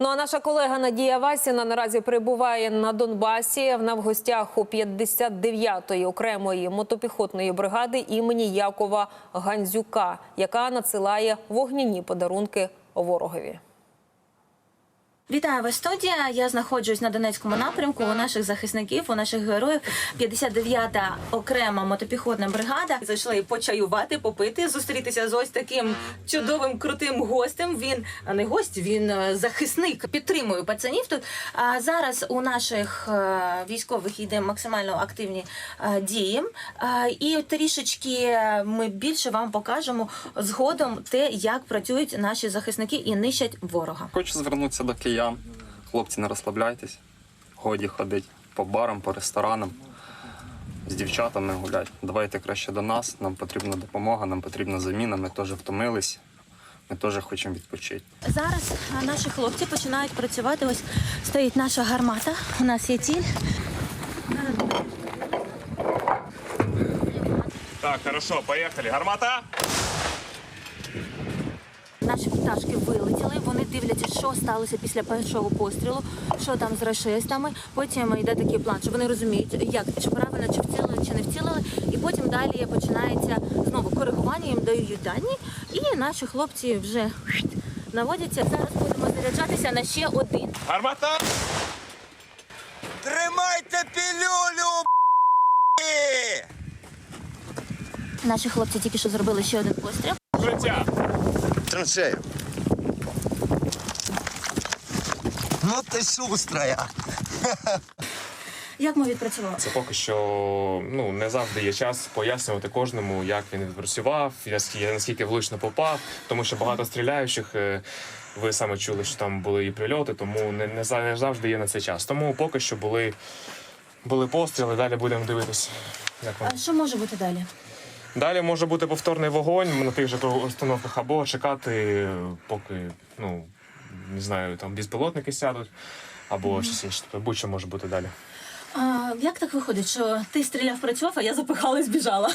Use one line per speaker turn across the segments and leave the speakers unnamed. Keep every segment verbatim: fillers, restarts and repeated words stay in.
Ну а наша колега Надія Васіна наразі перебуває на Донбасі. Вона в гостях у п'ятдесят дев'ятої окремої мотопіхотної бригади імені Якова Гандзюка, яка надсилає вогняні подарунки ворогові.
Вітаю вас, студія. Я знаходжусь на Донецькому напрямку у наших захисників, у наших героїв. п'ятдесят дев'ята окрема мотопіхотна бригада. Зайшли почаювати, попити, зустрітися з ось таким чудовим, крутим гостем. Він не гость, він захисник. Підтримую пацанів тут. А зараз у наших військових йде максимально активні дії. І трішечки ми більше вам покажемо згодом те, як працюють наші захисники і нищать ворога.
Хочу звернутися до киян. Хлопці, не розслабляйтесь. Годі ходить по барам, по ресторанам, з дівчатами гулять. Давайте краще до нас, нам потрібна допомога, нам потрібна заміна, ми теж втомились, ми теж хочемо відпочити.
Зараз наші хлопці починають працювати. Ось стоїть наша гармата, у нас є ціль.
Так, хорошо, поїхали. Гармата!
Наші пташки вилетіли, вони дивляться, що сталося після першого пострілу, що там з рашистами. Потім йде такий план, що вони розуміють, як, чи правильно, чи вцілили, чи не вцілили. І потім далі починається знову коригування, їм дають дані. І наші хлопці вже наводяться. Зараз будемо заряджатися на ще один.
Гармата!
Тримайте пілюлю, б***ь!
Наші хлопці тільки що зробили ще один постріл.
Життя!
Траншею. Ну ти шустрая.
Як ми відпрацювали?
Це поки що ну, не завжди є час пояснювати кожному, як він відпрацював, наскільки, наскільки влучно попав, тому що багато стріляючих, ви саме чули, що там були і прильоти, тому не, не завжди є на це час. Тому поки що були, були постріли, далі будемо дивитися, як воно.
А що може бути далі?
Далі може бути повторний вогонь на тих же установках або чекати, поки, ну, не знаю, там безпілотники сядуть, або mm-hmm. щось інше. Будь-що може бути далі.
А, як так виходить, що ти стріляв, працював, а я запихала і збіжала?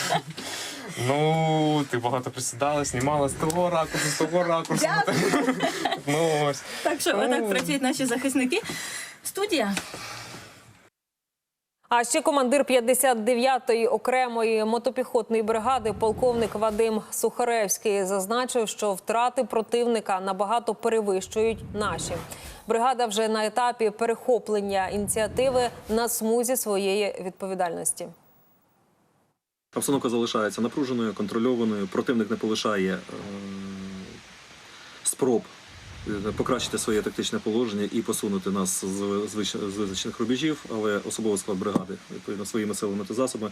Ну, ти багато присідала, знімала з того ракурсу, з того ракурсу. Ну, ось.
Так що отак працюють наші захисники. Студія.
А ще командир п'ятдесят дев'ятої окремої мотопіхотної бригади полковник Вадим Сухаревський зазначив, що втрати противника набагато перевищують наші. Бригада вже на етапі перехоплення ініціативи на смузі своєї відповідальності.
Обстановка залишається напруженою, контрольованою. Противник не полишає е спроб покращити своє тактичне положення і посунути нас з, з визначених рубежів, але особовий склад бригади, відповідно, своїми силами та засобами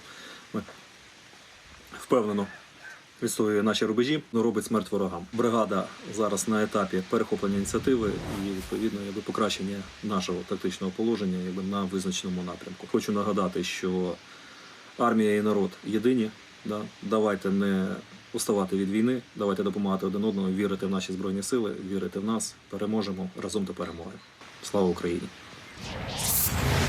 впевнено відстоює наші рубежі, но робить смерть ворогам. Бригада зараз на етапі перехоплення ініціативи і, відповідно, якби, покращення нашого тактичного положення якби, на визначеному напрямку. Хочу нагадати, що армія і народ єдині. Да? Давайте не уставати від війни, давайте допомагати один одному, вірити в наші Збройні Сили, вірити в нас. Переможемо разом до перемоги. Слава Україні!